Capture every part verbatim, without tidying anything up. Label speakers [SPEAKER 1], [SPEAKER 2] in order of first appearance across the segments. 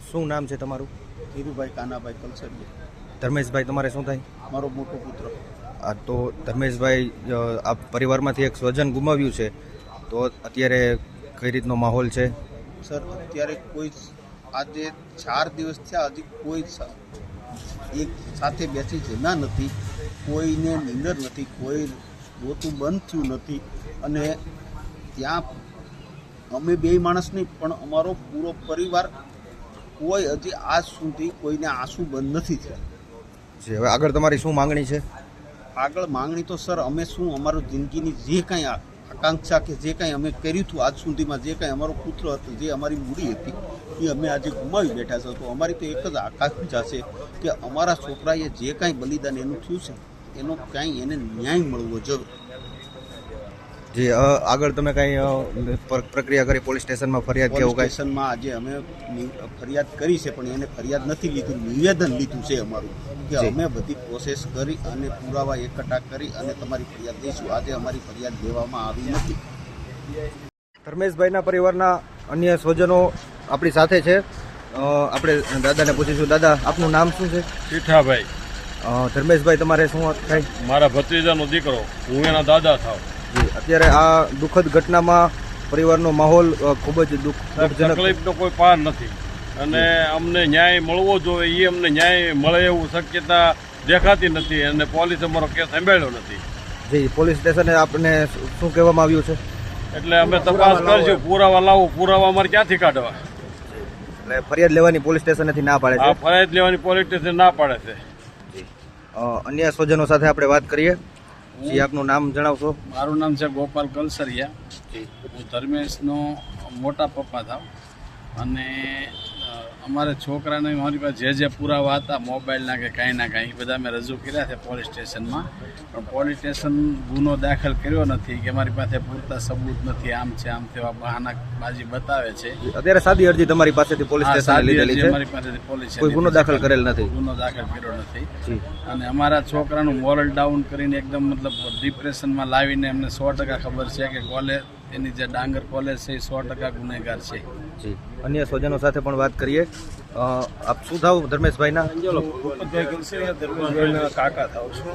[SPEAKER 1] શું નામ છે તમારું?
[SPEAKER 2] ધીરુભાઈ કાનાભાઈ કલસરિયા.
[SPEAKER 1] ધર્મેશભાઈ તમારે શું થાય?
[SPEAKER 2] મારો મોટો પુત્ર.
[SPEAKER 1] આ તો ધર્મેશભાઈ આ પરિવારમાંથી એક સ્વજન ગુમાવ્યું છે, તો અત્યારે કઈ રીતનો માહોલ છે?
[SPEAKER 2] સર અત્યારે કોઈ આજે ચાર દિવસ થયા હજી કોઈ એક સાથે બેસી જમ્યા નથી, કોઈને નીંદર નથી, કોઈ રોતું બંધ થયું નથી. અને ત્યાં અમે બે માણસ નહીં પણ અમારો પૂરો પરિવાર કોઈ હજી આજ સુધી કોઈને આંસુ બંધ નથી થયા.
[SPEAKER 1] જી, હવે આગળ તમારી શું માંગણી છે?
[SPEAKER 2] આગળ માંગણી તો સર અમે શું અમારું જિંદગીની જે કાંઈ આકાંક્ષા કે જે કાંઈ અમે કર્યું હતું આજ સુધીમાં, જે કાંઈ અમારો પુત્ર હતો, જે અમારી મૂડી હતી એ અમે આજે ગુમાવી બેઠા છે. તો અમારી તો એક જ આકાંક્ષા છે કે અમારા છોકરાએ જે કાંઈ બલિદાન એનું થયું છે એનો કાંઈ એને ન્યાય મળવો જોઈએ.
[SPEAKER 1] જી, આગળ તમે કાંઈ પ્રક્રિયા કરી પોલીસ સ્ટેશનમાં ફરિયાદ કે એવું કાંઈ?
[SPEAKER 2] સ્ટેશનમાં આજે અમે ફરિયાદ કરી છે પણ એને ફરિયાદ નથી લીધું, નિવેદન લીધું છે અમારું કે અમે બધી પ્રોસેસ કરી અને પુરાવા એકઠા કરી અને તમારી ફરિયાદ દઈશું. આજે અમારી ફરિયાદ દેવામાં આવી નથી.
[SPEAKER 1] ધર્મેશભાઈના પરિવારના અન્ય સ્વજનો આપણી સાથે છે. આપણે દાદાને પૂછીશું. દાદા, આપનું નામ શું છે?
[SPEAKER 3] સીઠાભાઈ.
[SPEAKER 1] ધર્મેશભાઈ તમારે શું થાય?
[SPEAKER 3] મારા ભત્રીજાનો દીકરો, હું એના દાદા થાવ.
[SPEAKER 1] જી, અત્યારે આ દુઃખદ ઘટનામાં પરિવારનો માહોલ ખૂબ જ દુઃખજનક.
[SPEAKER 3] તકલીફનો કોઈ પાર નથી અને અમને ન્યાય મળવો જોઈએ, એ અમને ન્યાય મળે એવું શક્યતા દેખાતી નથી અને પોલીસ અમારો કેસ સંભાળ્યો નથી.
[SPEAKER 1] જી, પોલીસ સ્ટેશને આપને શું કહેવામાં આવ્યું છે?
[SPEAKER 3] એટલે અમે તપાસ કરશું, પુરાવા લાવો. પુરાવા અમારે ક્યાંથી કાઢવા?
[SPEAKER 1] એટલે ફરિયાદ લેવાની પોલીસ સ્ટેશનેથી ના પાડે છે?
[SPEAKER 3] આ ફરિયાદ લેવાની પોલીસ સ્ટેશન ના પાડે છે.
[SPEAKER 1] અન્ય સ્વજનો સાથે આપણે વાત કરીએ. જી, આપનું નામ જણાવશો?
[SPEAKER 4] મારું નામ છે ગોપાલ કલસરિયા. હું ધર્મેશનો મોટા પપ્પા થાવ અને અમારે છોકરાને મારી પાસે જે જે પુરાવા હતા મોબાઈલના કે કાંઈ ના કાંઈ એ બધા મેં રજૂ કર્યા છે પોલીસ સ્ટેશનમાં, પણ પોલીસ સ્ટેશન ગુનો દાખલ કર્યો નથી કે મારી પાસે પૂરતા સબૂત નથી, આમ છે આમ તેવા બહાનાબાજી બતાવે છે.
[SPEAKER 1] અત્યારે સાદી અરજી તમારી પાસેથી પોલીસ સ્ટેશને લીધેલી છે?
[SPEAKER 4] મારી પાસેથી પોલીસ
[SPEAKER 1] કોઈ ગુનો દાખલ કરેલ નથી?
[SPEAKER 4] ગુનો દાખલ કર્યો નથી. અને અમારા છોકરાનું મોરલ ડાઉન કરીને એકદમ મતલબ ડિપ્રેશનમાં લાવીને અમને સો ટકા ખબર છે કે કોલેજ એની જે ડાંગર કોલેજ છે એ સો ટકા ગુનેગાર છે.
[SPEAKER 1] જી, અન્ય સ્વજનો સાથે પણ વાત કરીએ. આપ શું થાવ ધર્મેશભાઈના?
[SPEAKER 4] ભૂપતભાઈ કલસરિયા, ધર્મેશભાઈના કાકા થાવ છું.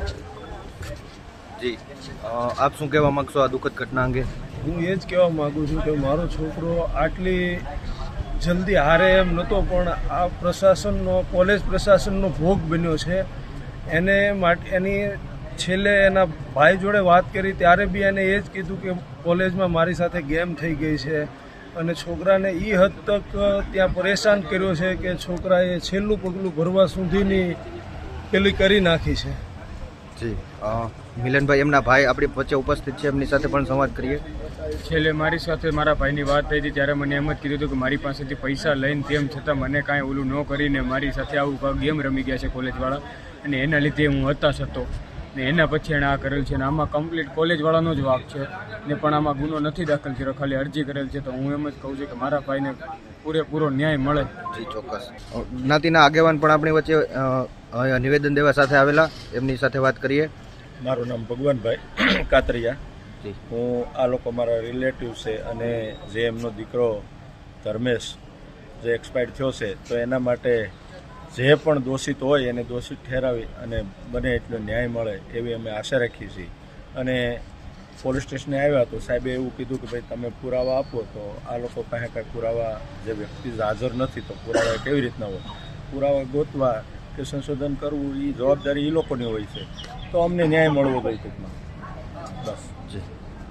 [SPEAKER 1] જી, આપ શું કહેવા માંગશો આ દુઃખદ ઘટના અંગે?
[SPEAKER 5] હું એ જ કહેવા માગું છું કે મારો છોકરો આટલી જલ્દી હારે એમ નહોતો, પણ આ પ્રશાસનનો કોલેજ પ્રશાસનનો ભોગ બન્યો છે. એને માટે એની છેલ્લે એના ભાઈ જોડે વાત કરી ત્યારે બી એને એ જ કીધું કે કોલેજમાં મારી સાથે ગેમ થઈ ગઈ છે અને છોકરાને એ હદ તક ત્યાં પરેશાન કર્યો છે કે છોકરાએ છેલ્લું પગલું ભરવા સુધીની પેલી કરી નાખી છે.
[SPEAKER 1] જી, મિલનભાઈ એમના ભાઈ આપણી વચ્ચે ઉપસ્થિત છે, એમની સાથે પણ સંવાદ કરીએ.
[SPEAKER 6] છેલ્લે મારી સાથે મારા ભાઈની વાત થઈ હતી ત્યારે મને એમ જ કીધું હતું કે મારી પાસેથી પૈસા લઈને તેમ છતાં મને કાંઈ ઓલું ન કરીને મારી સાથે આવું ગેમ રમી ગયા છે કોલેજવાળા, અને એના લીધે હું હતાશ હતો ને એના પછી એણે આ કરેલ છે. અને આમાં કમ્પ્લીટ કોલેજવાળાનો જ વાંક છે ને, પણ આમાં ગુનો નથી દાખલ કર્યો, ખાલી અરજી કરેલ છે. તો હું એમ જ કહું છું કે મારા ભાઈને પૂરેપૂરો ન્યાય મળે.
[SPEAKER 1] જી, ચોક્કસ. જ્ઞાતિના આગેવાન પણ આપણી વચ્ચે નિવેદન દેવા સાથે આવેલા, એમની સાથે વાત કરીએ.
[SPEAKER 7] મારું નામ ભગવાનભાઈ કાતરિયા. હું આ લોકો મારા રિલેટિવ છે અને જે એમનો દીકરો ધર્મેશ જે એક્સપાયર્ડ થયો છે, તો એના માટે જે પણ દોષિત હોય એને દોષિત ઠેરાવી અને બને એટલો ન્યાય મળે એવી અમે આશા રાખીએ છીએ. અને પોલીસ સ્ટેશને આવ્યા તો સાહેબે એવું કીધું કે ભાઈ તમે પુરાવા આપો, તો આ લોકો પાસે કાંઈ પુરાવા જે વ્યક્તિ હાજર નથી તો પુરાવા કેવી રીતના હોય? પુરાવા ગોતવા કે સંશોધન કરવું એ જવાબદારી એ લોકોની હોય છે. તો અમને ન્યાય મળવો જોઈએ ટૂંકમાં, બસ.
[SPEAKER 1] જી,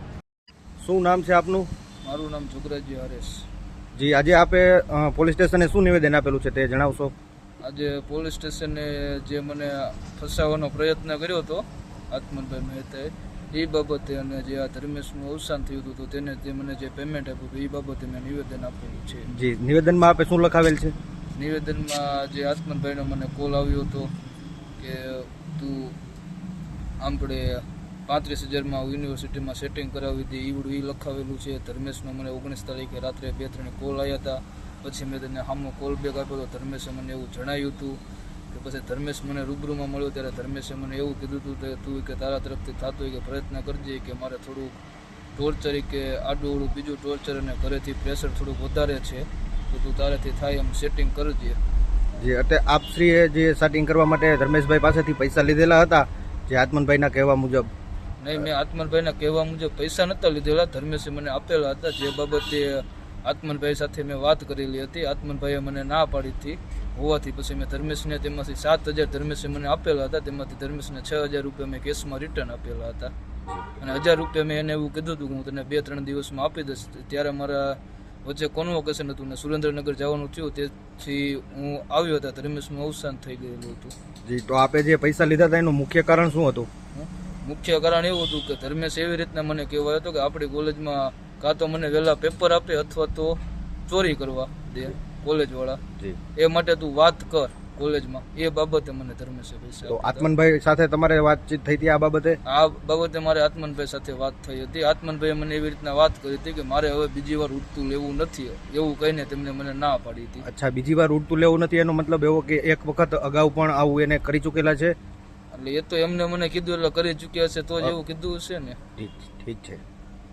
[SPEAKER 1] શું નામ છે આપનું?
[SPEAKER 8] મારું નામ જોગરાજી હરેશ.
[SPEAKER 1] જી, આજે આપે પોલીસ સ્ટેશને શું નિવેદન આપેલું છે તે જણાવશો?
[SPEAKER 8] આજે પોલીસ સ્ટેશને જે મને ફસાવવાનો પ્રયત્ન કર્યો હતો આત્મનભાઈ મહેતાએ, એ બાબતે અને જે આ ધર્મેશનું અવસાન થયું હતું તો તેને જે મને જે પેમેન્ટ આપ્યું હતું એ બાબતે મેં નિવેદન આપેલું છે.
[SPEAKER 1] જી, નિવેદનમાં આપે શું લખાવેલ છે?
[SPEAKER 8] નિવેદનમાં જે આત્મનભાઈનો મને કોલ આવ્યો હતો કે તું આપણે પાંત્રીસ હજારમાં યુનિવર્સિટીમાં સેટિંગ કરાવી દે ઈવડું એ લખાવેલું છે. ધર્મેશનો મને ઓગણીસ તારીખે રાત્રે બે ત્રણ કોલ આવ્યા હતા. પછી મેં તેને સામો કોલ બેક આપ્યો તો ધર્મેશે મને એવું જણાવ્યું હતું કે પછી ધર્મેશ મને રૂબરૂમાં મળ્યો ત્યારે ધર્મેશે મને એવું કીધું હતું કે તું કે તારા તરફથી થતું હોય કે પ્રયત્ન કરજે કે મારે થોડુંક ટોર્ચર કે આડું અવળું બીજું ટોર્ચર અને ઘરેથી પ્રેશર થોડુંક વધારે છે તો તું તારેથી થાય એમ સેટિંગ કરજે.
[SPEAKER 1] જે અત્યારે આપશ્રીએ જે સેટિંગ કરવા માટે ધર્મેશભાઈ પાસેથી પૈસા લીધેલા હતા જે આત્મનભાઈના કહેવા મુજબ?
[SPEAKER 8] નહીં, મેં આત્મનભાઈના કહેવા મુજબ પૈસા નહોતા લીધેલા, ધર્મેશે મને આપેલા હતા. જે બાબતે આત્મનભાઈ સાથે મેં વાત કરેલી હતી, આત્મનભાઈએ મને ના પાડી હતી હોવાથી પછી મેં ધર્મેશને તેમાંથી સાત હજાર ધર્મેશે મને આપેલા હતા, તેમાંથી ધર્મેશને છ હજાર રૂપિયા મેં કેશમાં રિટર્ન આપેલા હતા. અને હજાર રૂપિયા મેં એને એવું કીધું હતું કે હું તને બે ત્રણ દિવસમાં આપી દઈશ. ત્યારે મારા વચ્ચે કોન્વોકેશન હતું ને સુરેન્દ્રનગર જવાનું થયું, તેથી હું આવ્યો હતા, ધર્મેશનું અવસાન થઈ ગયેલું હતું.
[SPEAKER 1] જી, તો આપે જે પૈસા લીધા હતા એનું મુખ્ય કારણ શું હતું?
[SPEAKER 8] મુખ્ય કારણ એવું હતું કે ધર્મેશ એવી રીતના મને કહેવાયો હતો કે આપણી કોલેજમાં કાં તો મને વહેલા પેપર આપે અથવા તો ચોરી કરવા દે કોલેજવાળા, એ માટે તું વાત કર કોલેજમાં. એ બાબતે મને ધર્મેશે પૈસા.
[SPEAKER 1] તો આત્મનભાઈ સાથે તમારે વાતચીત થઈ હતી આ બાબતે?
[SPEAKER 8] આ બાબતે મારે આત્મનભાઈ સાથે વાત થઈ હતી. આત્મનભાઈએ મને એવી રીતના વાત કરી હતી કે મારે હવે બીજી વાર ઉડતું લેવું નથી, એવું કહીને તેમને મને ના પાડી હતી.
[SPEAKER 1] અચ્છા, બીજી વાર ઉડતું લેવું નથી એનો મતલબ એવો કે એક વખત અગાઉ પણ આવું એને કરી ચૂકેલા છે?
[SPEAKER 8] એટલે એ તો એમને મને કીધું એટલે કરી ચૂક્યા છે તો જ એવું કીધું હશે ને.
[SPEAKER 1] ઠીક ઠીક છે.